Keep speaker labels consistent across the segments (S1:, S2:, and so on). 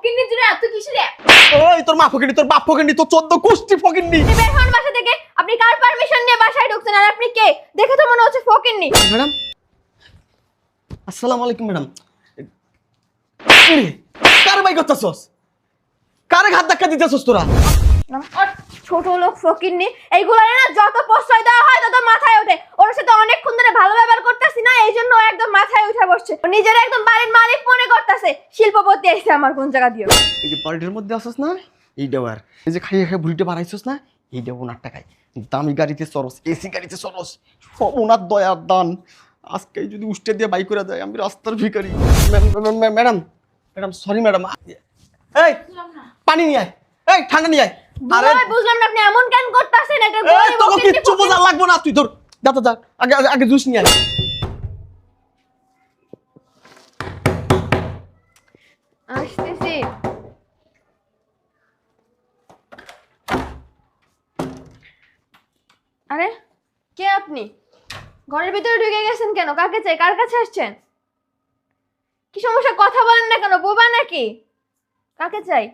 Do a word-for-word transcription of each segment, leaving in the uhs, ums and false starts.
S1: ফকিন্নি জুড়ে এত কিসের?
S2: ওই তোর মা ফকিন্নি, তোর বাপ ফকিন্নি, তোর চোদ্দ গোষ্ঠী ফকিন্নি।
S1: আপনি বের হন বাসা থেকে। আপনি কার পারমিশন নিয়ে বাসায় ঢুকছেন? আর আপনি কে? দেখে তো মনে হচ্ছে ফকিন্নি।
S2: ম্যাডাম আসসালামু আলাইকুম। ম্যাডাম কার বাই করতেছস? কারে ঘাত ধাক্কা দিতেছস তোরা?
S1: আর ছোট লোক ফকিন্নি এইগুলো না যত প্রশ্রয় দেওয়া হয় তত মাথায় ওঠে। ওর সাথে অনেকক্ষণ ধরে ভালো ব্যবহার করতেছি না, এই জন্য ও একদম মাথায় উঠে বসছে। ও নিজের একদম বাড়ির মালিক মনে করতেছে। শিল্পপতি আইছে আমার কোন জায়গা দিয়ে।
S2: এই যে বাড়িটার মধ্যে আসছ না, এইটাও আর এই যে খাইয়ে খাইয়ে বুড়িটা বাড়াইছস না, এইটাও ওনার টাকায়। দামি গাড়িতে চরস, এসি গাড়িতে চরস, সব ওনার দয়ার দান। আজকে যদি উষ্টে দিয়ে বাই করে দেয়, আমি রাস্তার ভিখারি। Madam madam sorry madam. এই পানি নিয়ে আয়, এই ঠান্ডা নিয়ে আয়।
S1: আরে বুঝলাম না আপনি এমন কেন করতেছেন? এটা
S2: এই তোকে কিচ্ছু বোঝা লাগবে না, তুই ধর যা তো যা, আগে আগে- আগে জুস নিয়ে আয়।
S1: আসতেছি। আরে কে আপনি? ঘরের ভিতরে ঢুকে গেছেন কেন? কাকে চাই? কার কাছে আসছেন? কি সমস্যা? কথা বলেন না কেন? বোবা নাকি? কাকে চাই?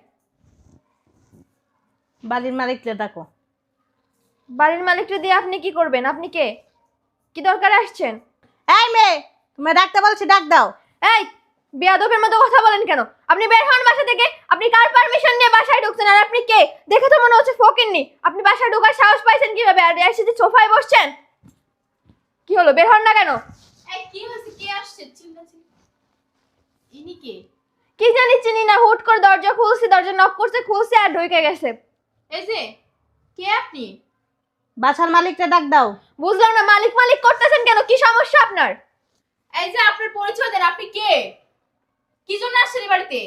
S3: বাড়ির মালিককে ডাকো।
S1: বাড়ির মালিককে দিয়ে আপনি কি করবেন? আপনি কে? কি দরকার আসছেন?
S3: এই মেয়ে, তুমি ডাকতে বলছি, ডাক দাও।
S1: এই বেয়াদবের মতো কথা বলেন কেন? আপনি বের হন বাসা থেকে। আপনি কার পারমিশন নিয়ে বাসায় ঢুকছেন? আর আপনি কে? দেখে তো মনে হচ্ছে ফকিন্নি। আপনি বাসায় ঢোকার সাহস পাইছেন কিভাবে? আর এসে যে সোফায় বসছেন, কি হলো? বের হন না কেন?
S4: এই কি হইছে? কে আসছে? চিন্তা চিন্তা ইনি কে?
S1: কি জানি চিনি না, হুট করে দরজা খুলছি, দরজা নক করছে, খুলছে আর ঢুকে গেছে।
S4: এই যে কে আপনি?
S3: বাসার মালিককে ডাক দাও।
S1: বুঝলাম না, মালিক মালিক করতেছেন কেন? কি সমস্যা আপনার?
S4: এই যে আপনার পরিচয় দেন, আপনি কে? কি জন্য আসছেন এই বাড়িতে?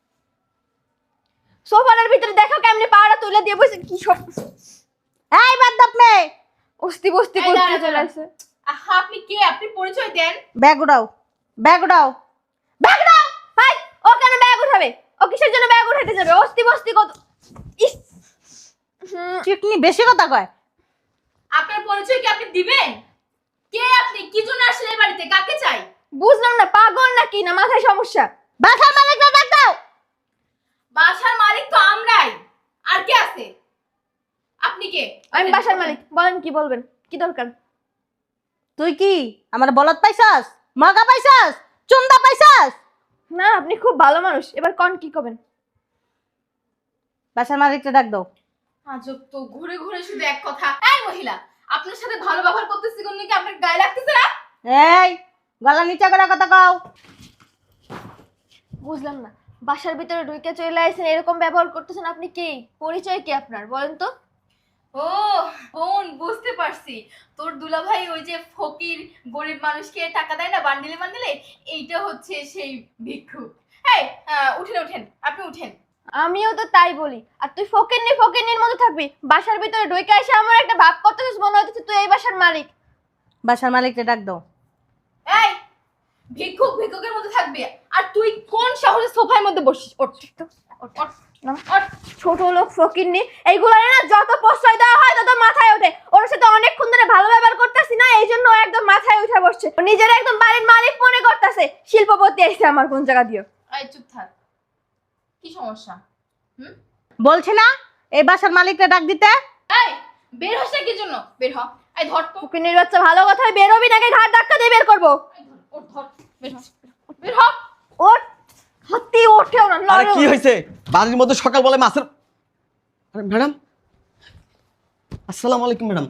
S1: সোফার ভিতরে দেখো কেমনে পাড়া তুলে দিয়ে বসে। কি সব
S3: এই বাদদাপ মেয়ে,
S1: অস্তি বস্তি
S4: এই
S1: করতে
S4: দাঁড়া,
S1: চলে
S4: দাঁড়া।
S1: আসছে।
S4: আহা, আপনি কে? আপনি পরিচয় দেন।
S3: ব্যাগ উঠাও, ব্যাগ উঠাও।
S1: ব্যাগ দাও। ভাই ও কেন ব্যাগ উঠাবে? ও কিসের জন্য ব্যাগ উঠাতে যাবে? অস্তি বস্তি কত। ইস হুম,
S3: চিকনি বেশি কথা কয়।
S4: আপনার পরিচয় কি আপনি দিবেন? কে আপনি? কি জন্য আসছেন এই বাড়িতে? কাকে চাই?
S1: বুঝলাম না, পাগল নাকি না মাথায় সমস্যা?
S3: বাসার মালিককে ডাক দাও।
S4: বাসার মালিক তো আমরাই। আর কে আছে? আপনি কে?
S1: আমি বাসার মালিক। বলেন কি বলবেন? কি দরকার?
S3: তুই কি আমার বলদ পাইছাস? মগা পাইছাস? চুন্দা পাইছাস?
S1: না আপনি খুব ভালো মানুষ। এবার কোন কি করবেন?
S3: বাসার মালিককে ডাক দাও।
S4: আজব তো, ঘুরে ঘুরে শুধু এক কথা। এই মহিলা, আপনার সাথে ভালো ব্যবহার করতেছি কোন কি আপনার গায়ে লাগতেছে না?
S3: এই গলা নিচে করে কথা কও।
S1: বুঝলাম না, বাসার ভিতরে ঢুকে চলে আসেন, এরকম ব্যবহার করতেছেন। আপনি কে? পরিচয় কি আপনার? বলেন তো।
S4: ও বোন, বুঝতে পারছি। তোর দুলাভাই ওই যে ফকির গরিব মানুষকে টাকা দেয় না বান্ডিলে বান্ডিলে, এইটা হচ্ছে সেই ভিক্ষুক। এই আহ, উঠেন উঠেন, আপনি উঠেন।
S1: আমিও তো তাই বলি। আর তুই ফকিন্নি ফকিন্নির মতো থাকবি? বাসার ভিতরে ঢুকে এসে আমার একটা ভাব করতেছিস, মনে হচ্ছে তুই এই বাসার মালিক।
S3: বাসার মালিককে ডাক দাও।
S4: এই ভিক্ষুক ভিক্ষুকের মধ্যে থাকবি? আর তুই কোন সাহসে সোফার মধ্যে বসিস? ওঠ ওঠ, ওঠ,
S1: নাম।
S4: ওঠ।
S1: ছোট লোক ফকিন্নি এইগুলো না যত প্রশ্রয় দেওয়া হয় তত মাথায় ওঠে। ওর সাথে অনেকক্ষণ ধরে ভালো ব্যবহার করতেছি না, এই জন্য ও একদম মাথায় উঠে বসছে। ও নিজের একদম বাড়ির মালিক মনে করতেছে। শিল্পপতি আইছে আমার কোন জায়গা দিয়ে।
S4: এই চুপ থাক। কি সমস্যা? হুম?
S3: বলছি না এই বাসার মালিককে ডাক দিতে?
S4: এই বের হস না কি জন্য? বের হ। এই ধর তো।
S1: ফকিন্নির বাচ্চা, ভালো কথায় বেরোবি নাকি ঘাট ধাক্কা দিয়ে বের করবো?
S4: এই ধর, ওঠ, ধর। বের হ। বের হ।
S1: ওর হাতি ওঠেও না।
S2: আরে
S1: লড়েও
S2: কি
S1: না।
S2: হয়েছে? বাড়ির মধ্যে সকাল বলে মাছের। আরে ম্যাডাম আসসালামু আলাইকুম। ম্যাডাম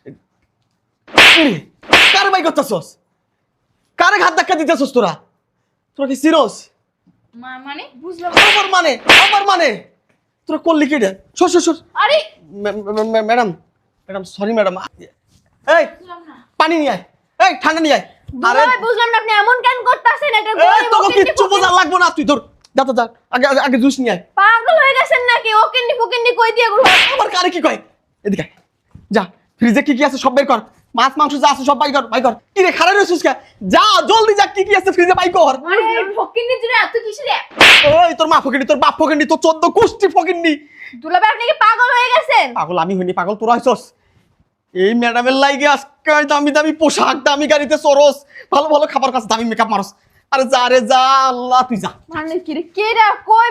S2: কারে বাই করতেছস? কারে ঘাত ধাক্কা দিতেছস তোরা? তোরা কি সিরস?
S4: মা মানে?
S1: বুঝলাম।
S2: আমার মানে আমার মানে তোরা করলি কি রে? সর সর সর।
S4: আরে
S2: ম্যাডাম ম্যাডাম সরি ম্যাডাম। এই
S4: বুঝলাম না।
S2: পানি নিয়ে আয়, এই ঠান্ডা নিয়ে আয়। আরে
S1: দুলাভাই, বুঝলাম না আপনি এমন কেন করতেছেন? এটা
S2: এই
S1: গরিব
S2: তোকে
S1: ফকিন্নি
S2: কিচ্ছু বোঝা লাগবে না, তুই ধর যা তো যা, আগে আগে- আগে জুস নিয়ে আয়।
S1: পাগল হয়ে গেছেন নাকি? ও কিন্নি ফকিন্নি কই দিয়ে ঘুরো?
S2: আবার কারে কি কয়? এদিকে আয়। যা ফ্রিজে কি কি আছে সব বের কর, মাছ মাংস যা আছে সব বাই কর বাই কর। কি রে খারাপ রইছিস কে? যা জলদি যা, কি কি আছে ফ্রিজে বাই কর।
S4: আরে ফকিন্নি জুড়ে এত কিসের?
S2: ওই তোর মা ফকিন্নি, তোর বাপ ফকিন্নি, তোর চোদ্দ গোষ্ঠী ফকিন্নি।
S1: দুলাভাই আপনি কি পাগল হয়ে গেছেন?
S2: পাগল আমি হইনি, পাগল তোরা হইছস। এই ম্যাডামের লাইগে আজকে দামি দামি পোশাক, দামি গাড়িতে চরস, ভালো ভালো খাবার কাছে দামি মেকআপ মারস। আরে যা রে যা, আল্লাহ তুই যা।
S1: মানে কি রে? কে রে? কইবেন তো?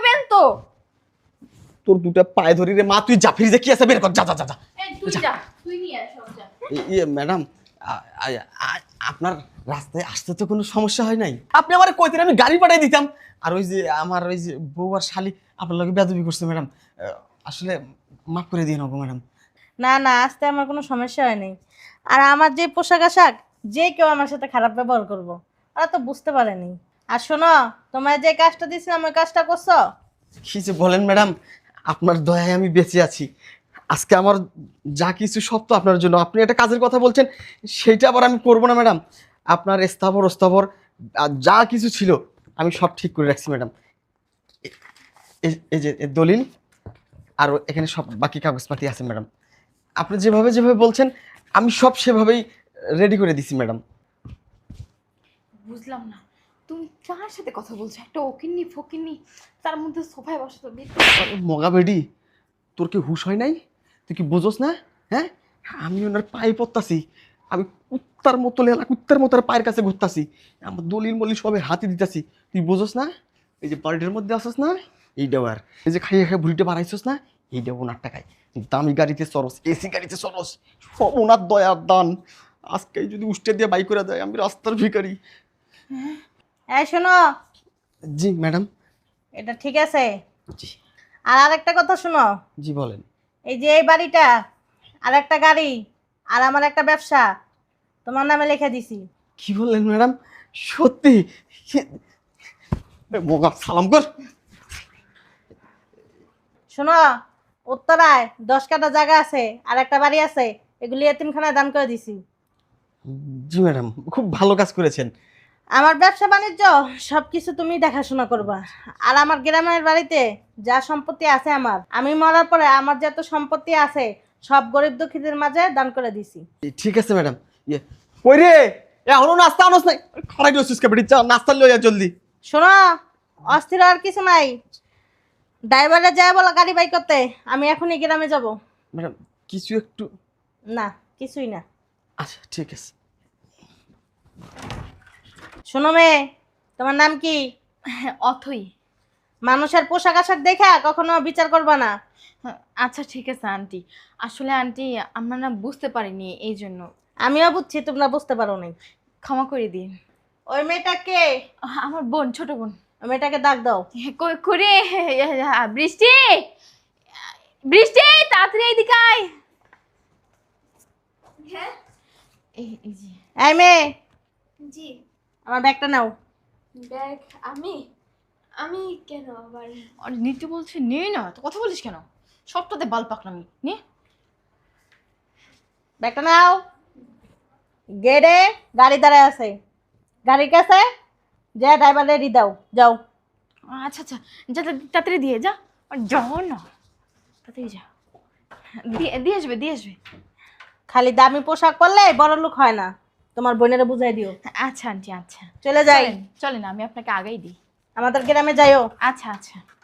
S2: তোর দুটা পায়ে ধরি রে মা, তুই যা ফ্রিজে কি আছে বের কর, যা যা যা যা।
S4: এই তুই যা, তুই নিয়ে আয় সব যা।
S2: এ- ইয়ে ম্যাডাম, আ- আ- আ- আপনার রাস্তায় আসতে তো কোনো সমস্যা হয় নাই? আপনি আমার কইতেন আমি গাড়ি পাঠিয়ে দিতাম। আর ওই যে আমার ওই যে বউ আর শালি আপনার লগে বেয়াদবি করছে ম্যাডাম, আসলে মাফ করে দিয়ে নেবো ম্যাডাম।
S3: না না, আসতে আমার কোনো সমস্যা হয়নি। আর আমার যে পোশাক আশাক, যে কেউ আমার সাথে খারাপ ব্যবহার করবো, ওরা তো বুঝতে পারেনি। আর শোনো, তোমায় যে কাজটা দিয়েছিলাম ওই কাজটা করছো?
S2: কি যে বলেন ম্যাডাম, আপনার দয়ায় আমি বেঁচে আছি। আজকে আমার যা কিছু সব তো আপনার জন্য। আপনি একটা কাজের কথা বলছেন, সেইটা আবার আমি করবো না ম্যাডাম। আপনার স্থাবর স্থাবর আর যা কিছু ছিল আমি সব ঠিক করে রাখছি ম্যাডাম। এ- এই এই যে এ দলিল আর এখানে সব বাকি কাগজপাতি আছে ম্যাডাম। আপনি যেভাবে যেভাবে বলছেন আমি সব সেভাবেই রেডি করে দিছি ম্যাডাম।
S4: বুঝলাম না, তুমি কার সাথে কথা বলছো? একটা ওকিন্নি ফকিন্নি, তার মধ্যে সোফায় বসে তো বের
S2: আরে মগা বেডি, তোর কি হুঁশ হয় নাই? তুই কি বুঝোস না? হ্যাঁ, আমি ওনার পায়ে পড়তাছি, আমি কুত্তার মতো লেলা কুত্তার মতো ওর পায়ের কাছে ঘুরতাছি, আমার দলিল মলিল সবে হাতে দিতাছি। তুই বুঝোস না? এই যে বাড়িটার মধ্যে আসোস না, এইটাও আর এই যে খাইয়ে খাই ভুড়িটা বাড়াইছোস না, এইটাও ওনার টাকায়। দামি গাড়িতে চরস, এসি গাড়িতে চরস, সব ওনার দয়ার দান। আজকে যদি উষ্টে দিয়ে বাই করে দেয়, আমি রাস্তার ভিখারি।
S3: এই শোনো,
S2: জি ম্যাডাম।
S3: এটা ঠিক আছে।
S2: জি
S3: আর আরেকটা কথা শোনো,
S2: জি বলেন।
S3: এই যে এই বাড়িটা আর একটা গাড়ি আর আমার একটা ব্যবসা তোমার নামে লিখে দিছি।
S2: কি বললেন ম্যাডাম? সত্যি? এ মোগা সালাম কর।
S3: শোনো, উত্তরায় দশ কাঠা জায়গা আছে আর একটা বাড়ি আছে, এগুলি এতিমখানায় দান করে দিছি।
S2: জি ম্যাডাম, খুব ভালো কাজ করেছেন।
S3: আমার ব্যবসা বাণিজ্য সব কিছু তুমি দেখাশোনা করবা। আর আমার গ্রামের বাড়িতে যা সম্পত্তি আছে আমার, আমি মরার পরে আমার যত সম্পত্তি আছে সব গরিব দুঃখীদের মাঝে দান করে দিছি।
S2: ঠিক আছে ম্যাডাম। ইয়ে কই রে, এখনো নাস্তা আনস নাই? খাড়াই রয়েছিস কে বেটি, চা নাস্তা লইয়া জলদি।
S3: শোনো, অস্থির আর কিছু নাই। ড্রাইভারে যায় বলো গাড়ি বাই করতে, আমি এখনই গ্রামে যাব।
S2: ম্যাডাম কিছু একটু,
S3: না, কিছুই না।
S2: আচ্ছা ঠিক আছে।
S3: শোনো মেয়ে, তোমার নাম কি?
S4: অথই।
S3: মানুষের পোশাক আশাক দেখা কখনো বিচার করবা না।
S4: আচ্ছা ঠিক আছে আন্টি, আসলে আন্টি আমরা না বুঝতে পারিনি, এই জন্য।
S3: আমিও বুঝছি তোমরা বুঝতে পারো নাই।
S4: ক্ষমা করে দিন।
S3: ওই মেয়েটাকে,
S4: আমার বোন, ছোট বোন।
S3: ওই মেয়েটাকে ডাক দাও।
S4: কই করে? বৃষ্টি, বৃষ্টি তাড়াতাড়ি এদিকে আয়।
S1: হ্যাঁ
S4: এই এই যে
S3: এই মেয়ে,
S1: জি।
S3: আমার ব্যাগটা নাও।
S1: ব্যাগ? আমি আমি কেন আবার?
S4: আর নিতে বলছে নে না, তো কথা বলিস কেন? সবটাতে বাল পাকনামি নে।
S3: ব্যাগটা নাও। গেটে গাড়ি দাঁড়ায় আছে, গাড়ির কাছে যা ড্রাইভার রেডি দাও, যাও।
S4: আচ্ছা আচ্ছা, যা যা, তাড়াতাড়ি দিয়ে যা। আর যাও না, তাড়াতাড়ি যা, দিয়ে দিয়ে আসবে দিয়ে আসবে।
S3: খালি দামি পোশাক পরলে বড় লোক হয় না, তোমার বোনেরা বুঝাই দিও।
S4: আচ্ছা আন্টি আচ্ছা,
S3: চলে যাই,
S4: চলেন চলেন, আমি আপনাকে আগেই দিই।
S3: আমাদের গ্রামে যাইও।
S4: আচ্ছা আচ্ছা।